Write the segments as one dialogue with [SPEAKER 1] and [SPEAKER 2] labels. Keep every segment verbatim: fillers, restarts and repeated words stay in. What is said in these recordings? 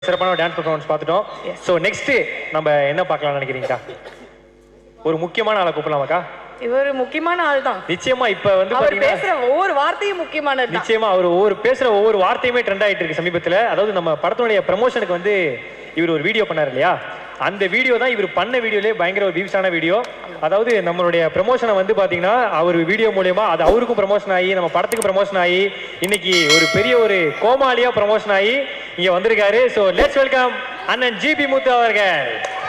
[SPEAKER 1] சிறப்பான dance performance பார்த்துட்டோம். So next நம்ம என்ன பார்க்கலாம்னு நினைக்கிறீங்கக்கா? ஒரு முக்கியமான ஆளை கூப்பிடலாமாக்கா?
[SPEAKER 2] இவர் முக்கியமான ஆள் தான்
[SPEAKER 1] நிச்சயமா. இப்ப வந்து
[SPEAKER 2] அவர் பேசுற ஒவ்வொரு வார்த்தையும் முக்கியமானது.
[SPEAKER 1] நிச்சயமா அவர் ஒவ்வொரு பேசுற ஒவ்வொரு வார்த்தையுமே ட்ரெண்ட் ஆயிட்டு இருக்கு சமீபத்தில். அதாவது நம்ம படத்தினுடைய ப்ரமோஷனுக்கு வந்து இவர் ஒரு வீடியோ பண்ணார் இல்லையா? அந்த வீடியோ தான் இவர் பண்ண வீடியோலேயே பயங்கர ஒரு வியூஸான வீடியோ. அதாவது நம்மளுடைய ப்ரமோஷனை வந்து பார்த்தீங்கன்னா அவர் வீடியோ மூலயமா அது அவருக்கும் ப்ரமோஷன் ஆகி நம்ம படத்துக்கு ப்ரமோஷன் ஆகி இன்னைக்கு ஒரு பெரிய ஒரு கோமாளியா ப்ரமோஷன் ஆகி இங்க வந்திருக்காரு. ஸோ லெட்ஸ் வெல்கம் அண்ணன் ஜிபி முத்து அவர்கள்.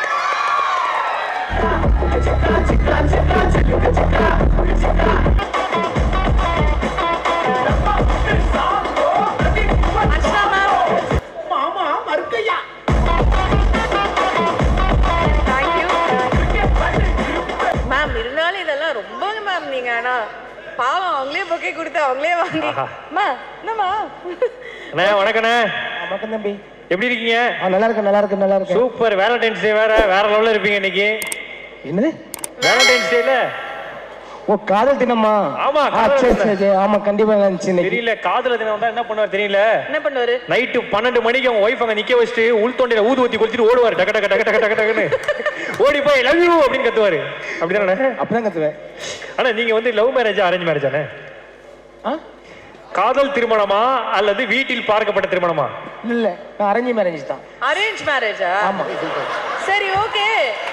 [SPEAKER 2] மேம் இருந்தாலும் இதெல்லாம் ரொம்ப மேம் நீங்க ஆனா பாவம் அவங்களே பொக்கே கொடுத்து அவங்களே வாங்கி மா என்னம்மா
[SPEAKER 1] அண்ணே வணக்கண்ணே.
[SPEAKER 3] வணக்கம் தம்பி,
[SPEAKER 1] எப்படி இருக்கீங்க?
[SPEAKER 3] நல்லா இருக்கு நல்லா இருக்கு நல்லா இருக்கு.
[SPEAKER 1] சூப்பர். வேலண்டைன்ஸ் டே வேற வேற லெவல்ல இருப்பீங்க இன்னைக்கு.
[SPEAKER 3] என்னது
[SPEAKER 1] வேலண்டைன்ஸ் டேல?
[SPEAKER 3] ஓ காதல் தினமா?
[SPEAKER 1] ஆமா
[SPEAKER 3] சரி சரி ஆமா கண்டிப்பா இருந்துச்சு.
[SPEAKER 1] தெரியல காதல தினம் வந்தா என்ன பண்ணுவார் தெரியல.
[SPEAKER 2] என்ன பண்ணுவாரு?
[SPEAKER 1] நைட்டு பன்னெண்டு மணிக்கு அவங்க ஒய்ஃப் அங்க நிக்க வச்சுட்டு உள் தொண்டையில ஊது ஊத்தி குளிச்சுட்டு ஓடுவாரு. டக டக டக டக டக டகன்னு ஓடி போய் லவ் யூ அப்படின்னு கத்துவாரு. அப்படிதானே?
[SPEAKER 3] அப்படிதான் கத்துவேன்.
[SPEAKER 1] ஆனா நீங்க வந்து லவ் மேரேஜா அரேஞ்ச் மேரேஜானே? காதல் திருமணமா அல்லது வீட்டில் பார்க்கப்பட்ட திருமணமா?
[SPEAKER 3] இல்ல நான் அரேஞ்ச் மேரேஜ் தான்.
[SPEAKER 2] அரேஞ்ச் மேரேஜா?
[SPEAKER 3] ஆமா.
[SPEAKER 2] சரி ஓகே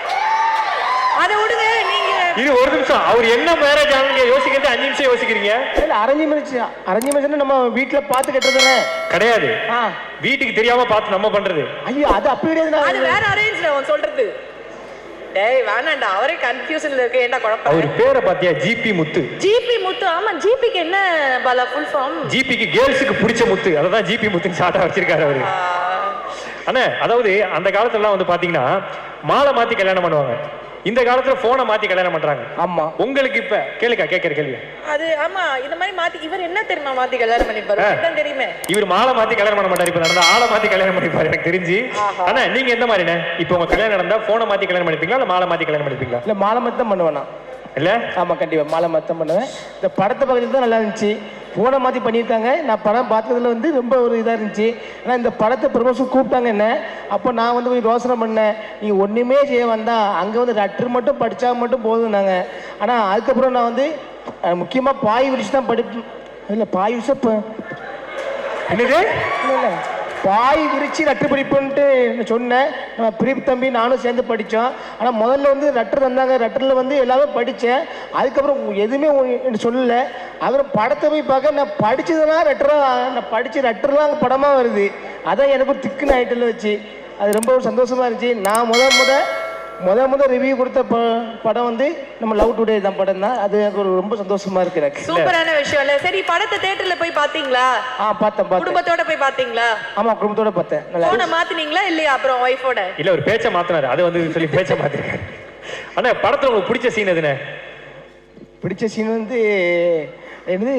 [SPEAKER 2] அத விடுங்க. நீங்க
[SPEAKER 1] இது ஒரு நிமிஷம் அவர் என்ன மேரேஜ் ஆனீங்க யோசிக்கிறது அஞ்சு நிமிஷம் யோசிக்கிறீங்க.
[SPEAKER 3] இல்ல அரேஞ்ச் மேரேஜ் அரேஞ்ச் மேரேஜ் நம்ம வீட்ல பாத்து கட்டுறதுனே கிடையாது.
[SPEAKER 1] வீட்டுக்கு தெரியாம பார்த்து நம்ம பண்றது.
[SPEAKER 3] ஐயோ அது அப்படி கிடையாது.
[SPEAKER 2] அது வேற அரேஞ்ச் அவன் சொல்றது. டேய் வேணாண்டா அவரே கன்ஃபியூஷன்ல இருக்கு. ஏன்டா குழப்பம்?
[SPEAKER 1] அவர் பேரை பாத்தியா? ஜிபி முத்து.
[SPEAKER 2] ஜிபி முத்து. ஆமா ஜிபிக்கு என்ன பாலா ஃபுல் ஃபார்ம்?
[SPEAKER 1] ஜிபிக்கு கேர்ள்ஸுக்கு பிடிச்ச முத்து. அததான் ஜிபி முத்துன்னு ஷார்ட்டா வச்சிருக்காரு அவரு. அண்ணே அதாவது அந்த காலத்துல வந்து பாத்தீங்கன்னா மாலை மாத்தி கல்யாணம் பண்ணுவாங்க. இந்த காலத்துல போனை மாத்தி கல்யாணம் பண்றாங்க.
[SPEAKER 3] ஆமா.
[SPEAKER 1] உங்களுக்கு இப்ப கேளுக்கா கேட்கிற கேள்வி
[SPEAKER 2] அது ஆமா இந்த மாதிரி மாத்தி இவர் என்ன தெரியுமா மாத்தி கல்யாணம் பண்ணிப்பாரு? அதான் தெரியுமே.
[SPEAKER 1] இவர் மாலை மாத்தி கல்யாணம் பண்ண மாட்டாரு. இப்ப நடந்த ஆளை மாத்தி கல்யாணம் பண்ணிப்பாரு எனக்கு தெரிஞ்சு. ஆனா நீங்க எந்த மாதிரிண்ணே? இப்ப உங்க கல்யாணம் நடந்தா போனை மாத்தி கல்யாணம் பண்ணிப்பீங்களா இல்ல மாலை மாத்தி கல்யாணம் பண்ணிப்பீங்களா?
[SPEAKER 3] இல்ல மாலை மாத்தி தான் பண்ணுவேன் நான். இல்ல ஆமா கண்டிப்பா மாலை மாத்தி தான் பண்ணுவேன். இந்த படத்தை பக்கத்துல தான் நல்லா இருந்துச்சு. போனை மாற்றி பண்ணியிருக்காங்க. நான் படம் பார்த்ததுல வந்து ரொம்ப ஒரு இதாக இருந்துச்சு. ஆனால் இந்த படத்தை ப்ரமோஷன் கூப்பிட்டாங்க என்ன. அப்போ நான் வந்து போய் யோசனை பண்ணேன், நீ ஒன்றுமே செய்ய வந்தால் அங்கே வந்து லெட்டர் மட்டும் படித்தா மட்டும் போதும்னாங்க. ஆனால் அதுக்கப்புறம் நான் வந்து முக்கியமாக பாய் விரிச்சு தான் படிப்பேன். இல்லை பாய் விரிச்சு இப்போ என்னது இல்லை இல்லை பாய் விரிச்சு லெட்டர் படிப்புன்ட்டு சொன்னேன். நம்ம பிரீப் தம்பி நானும் சேர்ந்து படித்தோம். ஆனால் முதல்ல வந்து லெட்டர் தந்தாங்க. லெட்டரில் வந்து எல்லாமே படித்தேன். அதுக்கப்புறம் எதுவுமே சொல்லலை. அப்புறம் படத்தை போய் பார்க்க நான் படித்ததுலாம் லெட்டராக நான் படித்த லெட்டர்லாம் அங்கே படமாக வருது. அதான் எனக்கு திக்குன்னு ஆகிட்டில் வச்சு அது ரொம்ப சந்தோஷமாக இருந்துச்சு. நான் முத முத முத முத ரிவ்யூ கொடுத்த படம் வந்து நம்ம லவ் டுடே தான் படம் தான். அது எனக்கு ஒரு ரொம்ப சந்தோஷமா இருக்கு. எனக்கு
[SPEAKER 2] சூப்பரான விஷயம் இல்ல. சரி படத்தை தியேட்டர்ல போய் பாத்தீங்களா?
[SPEAKER 3] ஆ பார்த்தேன்.
[SPEAKER 2] குடும்பத்தோட போய் பாத்தீங்களா?
[SPEAKER 3] ஆமா குடும்பத்தோட பார்த்தேன். நல்லா
[SPEAKER 2] போன மாத்தினீங்களா இல்லையா? அப்புறம் வைஃபோட
[SPEAKER 1] இல்ல ஒரு பேச்ச மாத்தினாரு. அது வந்து சொல்லி பேச்ச மாத்திருக்காரு. அண்ணா படத்துல உங்களுக்கு பிடிச்ச சீன் எதுனே?
[SPEAKER 3] பிடிச்ச சீன் வந்து என்னது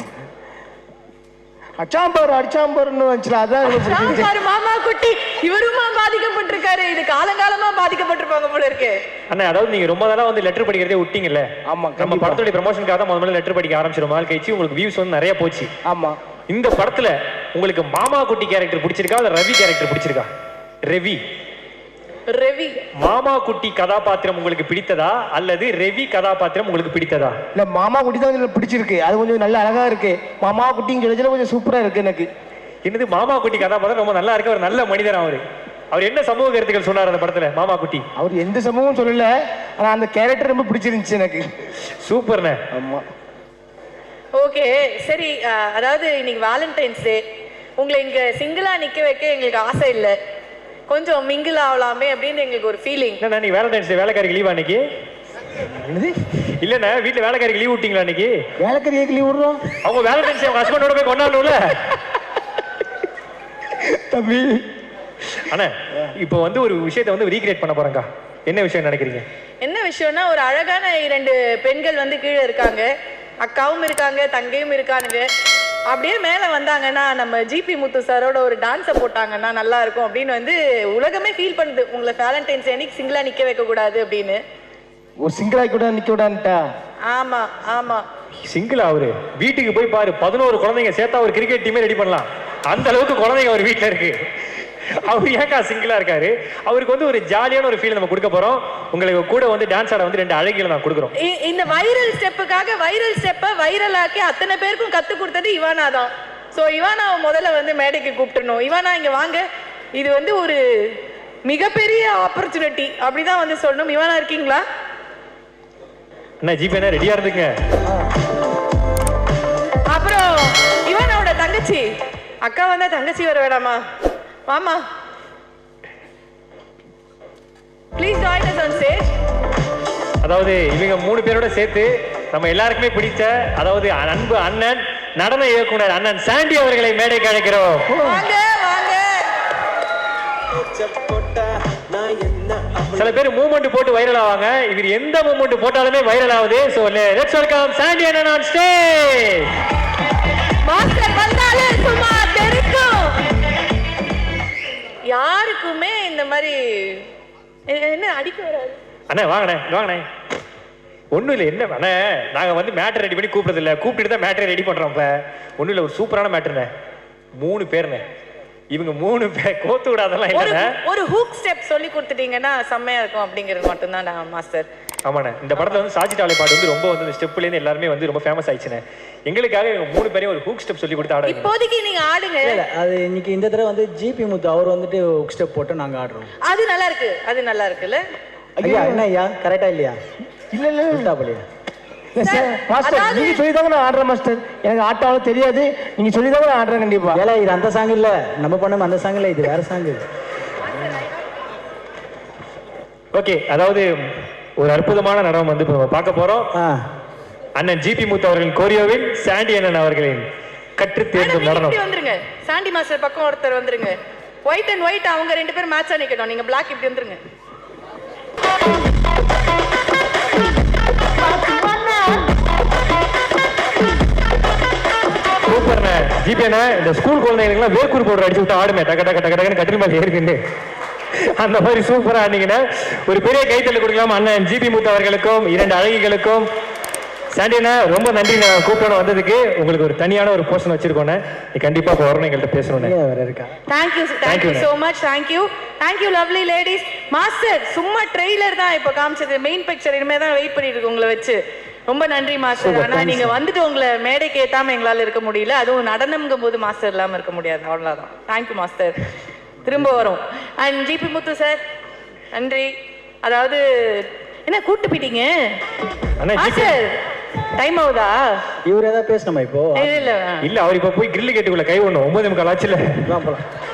[SPEAKER 3] அச்சாம்பார் அடிச்சாம்பார்னு வந்துச்சுல. அதான்
[SPEAKER 2] மாமா குட்டி இவருமா பாதிக்கப்பட்டிருக்காரு. இது காலங்காலமா பாதிக்கப்பட்டிருப்பாங்க போல இருக்கு.
[SPEAKER 1] அண்ணா அதாவது நீங்க ரொம்ப நாளா வந்து லெட்டர் படிக்கிறதே விட்டீங்கல்ல?
[SPEAKER 3] ஆமா.
[SPEAKER 1] நம்ம படத்தோட ப்ரமோஷனுக்காக தான் முதல்ல லெட்டர் படிக்க ஆரம்பிச்சிரும். நாள் கழிச்சு உங்களுக்கு வியூஸ் வந்து நிறைய போச்சு.
[SPEAKER 3] ஆமா.
[SPEAKER 1] இந்த படத்துல உங்களுக்கு மாமா குட்டி கேரக்டர் பிடிச்சிருக்கா இல்ல ரவி கேரக்டர் பிடிச்சிருக்கா? ரவி
[SPEAKER 2] ரவி
[SPEAKER 1] மாமா குட்டி கதாபாத்திரம் உங்களுக்கு பிடித்ததா அல்லது ரவி கதாபாத்திரம் உங்களுக்கு பிடித்ததா?
[SPEAKER 3] இல்ல மாமா குட்டி தான் பிடிச்சிருக்கு. அது கொஞ்சம் நல்ல அழகா இருக்கு. மாமா குட்டின்னு சொல்லி கொஞ்சம் சூப்பரா இருக்கு எனக்கு.
[SPEAKER 1] என்னது மாமா குட்டி கதாபாத்திரம் ரொம்ப நல்லா இருக்கு. ஒரு நல்ல மனிதர் அவரு. அவர் என்ன சமூக கருத்துக்கள் சொன்னார் அந்த படத்துல மாமா குட்டி?
[SPEAKER 3] அவர் எந்த சமூகம் சொல்லல. ஆனா அந்த கேரக்டர் ரொம்ப பிடிச்சிருந்துச்சு எனக்கு.
[SPEAKER 1] சூப்பர்ண்ணே.
[SPEAKER 3] ஆமா.
[SPEAKER 2] ஓகே சரி. அதாவது இன்னைக்கு வேலண்டைன்ஸ் டே. உங்களை இங்க சிங்கிளா நிக்க வைக்க எங்களுக்கு ஆசை இல்லை. கொஞ்சம் மிங்கிள் ஆகலாமே அப்படின்னு எங்களுக்கு ஒரு ஃபீலிங்.
[SPEAKER 1] என்ன நீ வேலண்டைன்ஸ் டே வேலைக்காரிக்கு லீவ் அன்னைக்கு?
[SPEAKER 3] என்னது
[SPEAKER 1] இல்லண்ணா வீட்டுல வேலைக்காரிக்கு லீவ் விட்டீங்களா அன்னைக்கு?
[SPEAKER 3] வேலைக்காரிக்கு லீவ் விடுறோம்.
[SPEAKER 1] அவங்க வேலண்டைன்ஸ் டே அவங்க ஹஸ்பண்டோட போய் கொண்டாடணும்ல
[SPEAKER 3] தம்பி.
[SPEAKER 1] அண்ணா இப்போ வந்து ஒரு விஷயத்தை வந்து ரீக்ரியேட் பண்ண போறேங்க. என்ன விஷயம் நினைக்கிறீங்க?
[SPEAKER 2] என்ன விஷயம்னா ஒரு அழகான இரண்டு பெண்கள் வந்து கீழே இருக்காங்க. அக்காவும் இருக்காங்க தங்கையும் இருக்கானுங்க. அப்படியே மேலே வந்தாங்கன்னா நம்ம ஜிபி முத்து சாரோட ஒரு டான்ஸை போட்டாங்கன்னா நல்லா இருக்கும் அப்படின்னு வந்து உலகமே ஃபீல் பண்ணுது. உங்களை வேலண்டைன்ஸ் அன்னைக்கு சிங்கிளா நிக்க வைக்க கூடாது அப்படின்னு.
[SPEAKER 3] ஒரு சிங்கிளா கூட நிக்க விடான்ட்டா?
[SPEAKER 2] ஆமா ஆமா.
[SPEAKER 1] சிங்கிளா அவரு வீட்டுக்கு போய் பாரு, பதினோரு குழந்தைங்க சேர்த்தா ஒரு கிரிக்கெட் டீமே ரெடி பண்ணலாம். அந்த அளவுக்கு குழந்தைங்க அவர் வீட்டுல இருக்கு. அவர் ஏக்கா சிங்கிளா இருக்காரு. அவருக்கு வந்து ஒரு ஜாலியான ஒரு ஃபீல் நம்ம கொடுக்க போறோம். உங்களுக்கு கூட வந்து டான்ஸ் ஆட வந்து ரெண்டு அழகிகளை நான் கொடுக்குறோம்.
[SPEAKER 2] இ- இந்த வைரல் ஸ்டெப்புக்காக வைரல் ஸ்டெப்பை வைரலாக்கி அத்தனை பேருக்கும் கத்து கொடுத்தது இவானா தான். ஸோ இவானாவை முதல்ல வந்து மேடைக்கு கூப்பிட்டுருணும். இவானா இங்க வாங்க. இது வந்து ஒரு மிகப்பெரிய ஆப்பர்ச்சுனிட்டி அப்படிதான் வந்து சொல்லணும். இவானா இருக்கீங்களா?
[SPEAKER 1] அண்ணா ஜிபே அண்ணா ரெடியா இருந்துங்க.
[SPEAKER 2] அப்புறம் இவானாவோட தங்கச்சி அக்கா வந்தா தங்கச்சி வர வேணாமா? வாமா, please join us on stage.
[SPEAKER 1] அதாவது இவங்க மூணு பேரோட சேர்த்து நம்ம எல்லாருக்குமே பிடிச்ச அதாவது அன்பு அண்ணன் நடன இயக்குனர் அண்ணன் சாண்டி அவர்களை மேடைக்கு அழைக்கிறோம்.
[SPEAKER 2] வாங்க வாங்க.
[SPEAKER 1] சில பேர் மூவ்மெண்ட் போட்டு வைரல் ஆவாங்க. இவர் எந்த மூவ்மெண்ட் போட்டாலுமே வைரல் ஆகுது. சோ லெட்ஸ் வெல்கம் சாண்டி அண்ணன் ஆன் ஸ்டேஜ்.
[SPEAKER 2] மாஸ்டர் வந்தாலே சும்மா தெரிக்கும். யாருக்குமே இந்த மாதிரி எ- என்ன அடிக்க வராது.
[SPEAKER 1] அண்ணே வாங்கண்ணே வாங்கண்ணே. ஒன்றும் இல்லை என்ன அண்ணே, நாங்கள் வந்து மேட்டர் ரெடி பண்ணி கூப்பிடுறது இல்லை, கூப்பிட்டு தான் மேட்டரை ரெடி பண்ணுறோம். இப்போ ஒன்றும் இல்லை, ஒரு சூப்பரான மேட்டர்ண்ணே. மூணு பேர்ண்ணே, இவங்க மூணு பேர் கோத்து விடாதெல்லாம்
[SPEAKER 2] ஒரு
[SPEAKER 1] இல்லைண்ணே.
[SPEAKER 2] ஒரு ஹூக் ஸ்டெப் சொல்லி கொடுத்துட்டீங்கன்னா செம்மையா இருக்கும் அப்படிங்கிறது மட்டும்தான் நான் மாஸ்டர்.
[SPEAKER 1] ஆமாண்ணே, இந்த படத்தில் வந்து சாச்சி டாலே பாட்டு வந்து ரொம்ப வந்து இந்த ஸ்டெப்லேருந்து எல்லாருமே வந்து ரொம்ப ஃபேமஸ் ஆயிடுச்சுண்ணே. எங்களுக்காக இவங்க மூணு பேரையும் ஒரு ஹூக் ஸ்டெப் சொல்லி கொடுத்து ஆட வைங்க.
[SPEAKER 2] இப்போதைக்கு நீங்க ஆடுங்க.
[SPEAKER 4] இல்ல அது இன்னைக்கு இந்த தடவை வந்து ஜிபி முத்து அவர் வந்துட்டு ஸ்டெப் போட்டு நாங்க ஆடுறோம்.
[SPEAKER 2] அது நல்லா இருக்கு, அது நல்லா இருக்குல்ல.
[SPEAKER 4] ஐயா என்ன ஐயா கரெக்டா இல்லையா?
[SPEAKER 3] இல்ல இல்ல
[SPEAKER 4] உள்டாப்பலையா?
[SPEAKER 3] இல்ல சார், மாஸ்டர்
[SPEAKER 2] அதாவது-
[SPEAKER 3] நீங்க சொல்லி தாங்க நான் ஆடுறேன் மாஸ்டர். எனக்கு ஆட்டாலும் தெரியாது, நீங்க சொல்லி தாங்க நான் ஆடுறேன் கண்டிப்பா.
[SPEAKER 4] ஏல இது அந்த சாங் இல்ல, நம்ம பண்ண அந்த சாங் இல்ல, இது வேற சாங்.
[SPEAKER 1] ஓகே, அதாவது ஒரு அற்புதமான நடனம் வந்து இப்போ நம்ம பார்க்க போறோம்.
[SPEAKER 4] ஆ
[SPEAKER 1] அண்ணன் ஜிபி முத்து அவர்களின் கோரியோவில் சாண்டி அண்ணன் அவர்களின் கற்று
[SPEAKER 2] மேடம்,
[SPEAKER 1] தேர்ந்த
[SPEAKER 2] நீங்க
[SPEAKER 1] நடனம்.
[SPEAKER 2] இப்படி வந்துருங்க. சாண்டி மாஸ்டர் பக்கம் ஒருத்தர் வந்துருங்க. ஒயிட் அண்ட் ஒயிட் அவங்க ரெண்டு பேரும் மேட்சா நிக்கணும். நீங்க பிளாக் இப்படி வந்துருங்க.
[SPEAKER 1] சூப்பர்ண்ணே ஜிபி அண்ணா. இந்த ஸ்கூல் குழந்தைங்களுக்குலாம் வேர்க்கூர் பவுடர் அடிச்சு விட்டு ஆடுமே, டக்க டக்க டக்க டக்குன்னு கட்டில் மேலே ஏறிக்கிண்டு அந்த மாதிரி சூப்பரா ஆடினீங்கன்னா ஒரு பெரிய கைத்தல் கொடுக்கலாம் அண்ணன் ஜிபி முத்து அவர்களுக்கும் இரண்டு அழகிகளுக்கும். சாண்டி அண்ணா ரொம்ப நன்றி, நான் கூப்பிடணும் வந்ததுக்கு. உங்களுக்கு ஒரு தனியான ஒரு போர்ஷன் வச்சிருக்கோண்ணே, நீ கண்டிப்பா இப்போ வரணும் எங்கள்கிட்ட பேசணும்ண்ணே.
[SPEAKER 4] ஏன் வேற இருக்கா?
[SPEAKER 2] Thank you, thank
[SPEAKER 1] Thank
[SPEAKER 2] you
[SPEAKER 1] you,
[SPEAKER 2] so much. Thank you. Thank you lovely ladies. Master சும்மா ட்ரெய்லர் தான் இப்போ காமிச்சது. மெயின் பிக்சர் இனிமே தான் வெயிட் பண்ணிட்டு இருக்கு உங்களை வச்சு. ரொம்ப நன்றி மாஸ்டர். ஆனா நீங்க வந்துட்டு உங்களை மேடைக்கு ஏத்தாம எங்களால இருக்க முடியல. அதுவும் நடனம்ங்கும் போது மாஸ்டர் இல்லாம இருக்க முடியாது. அவ்வளவுதான். Thank you master. திரும்ப வரும். அண்ட் ஜிபி முத்து சார் நன்றி. அதாவது என்ன கூட்டு போயிட்டீங்க
[SPEAKER 1] அண்ணா,
[SPEAKER 2] மாஸ்டர்? டைம் ஆகுதா?
[SPEAKER 4] இவர் ஏதாவது பேசணுமா இப்போ?
[SPEAKER 2] இல்ல இல்ல
[SPEAKER 1] இல்ல அவர் இப்ப போய் கிரில் கேட்டுக்குள்ள கை ஒண்ணும் ஒன்பது முக்கால் ஆச்சுல.
[SPEAKER 4] வா போலாம்.